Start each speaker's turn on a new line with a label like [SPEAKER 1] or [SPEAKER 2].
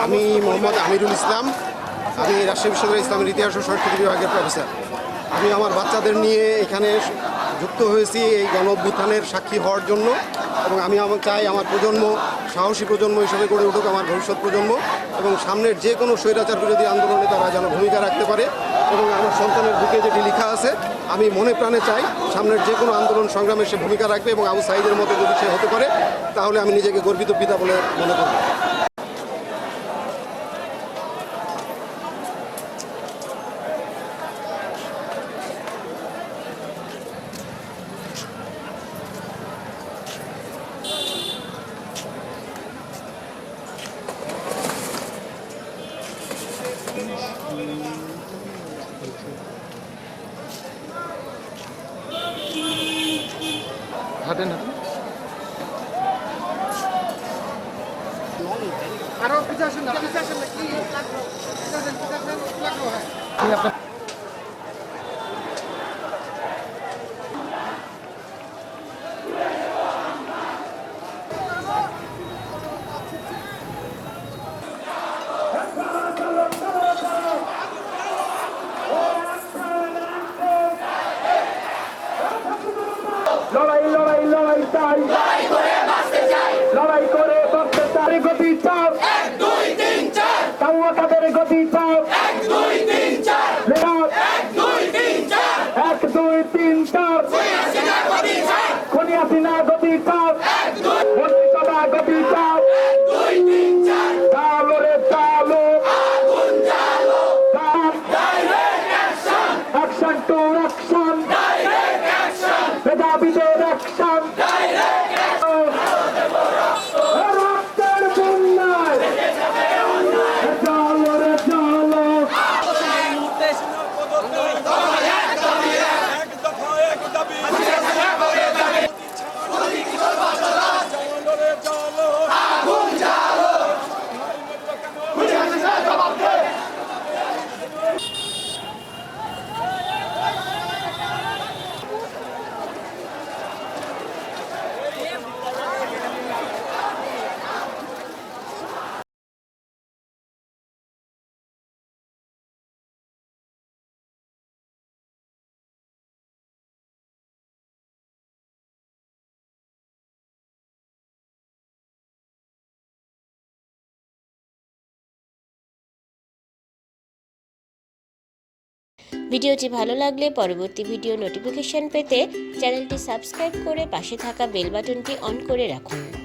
[SPEAKER 1] আমি মোহাম্মদ আমিরুল ইসলাম। আমি রাজশাহী বিশ্ববিদ্যালয়ের ইসলামের ইতিহাস ও সংস্কৃতি বিভাগের প্রফেসর। আমি আমার বাচ্চাদের নিয়ে এখানে যুক্ত হয়েছি এই গণ অভ্যুত্থানের সাক্ষী হওয়ার জন্য, এবং আমি চাই আমার প্রজন্ম সাহসী প্রজন্ম হিসেবে গড়ে উঠুক, আমার ভবিষ্যৎ প্রজন্ম, এবং সামনের যে কোনো স্বৈরাচার বিরোধী আন্দোলনে তারা যেন ভূমিকা রাখতে পারে। এবং আমার সন্তানের বুকে যেটি লেখা আছে, আমি মনে প্রাণে চাই সামনের যে কোনো আন্দোলন সংগ্রামে সে ভূমিকা রাখবে, এবং আবু সাঈদের মতো যদি সে হতে পারে তাহলে আমি নিজেকে গর্বিত পিতা বলে মনে করব। হাঁটেন হাঁটেন
[SPEAKER 2] আরো পিছে আসেন না, পিছে আসেন না, কি লাগলো? পিছে আসেন, কি লাগলো?
[SPEAKER 1] আপনার
[SPEAKER 3] লড়াই লড়াই লড়াই চাই, লড়াই করে বাঁচতে চাই, লড়াই করে বাঁচতে চাই। গতি চাও 1 2 3 4, কাউয়া কাদের গতি চাও 1 2 3 4, 1 2 3 4, 1 2 3 4, খুনি হাসিনা গতি চাও 1 2, মন্ত্রিসভা গতি চাও 1 2 3 4, চালো রে চালো, আগুন জ্বালো, direct action, action to action, direct action, মেধাবীদের অ্যাকশন, ডাইরেক্ট অ্যাকশন, রক্তের বন্যায় চলো রে চলো।
[SPEAKER 4] ভিডিওটি ভালো লাগলে পরবর্তী ভিডিও নোটিফিকেশন পেতে চ্যানেলটি সাবস্ক্রাইব করে পাশে থাকা বেল বাটনটি অন করে রাখুন।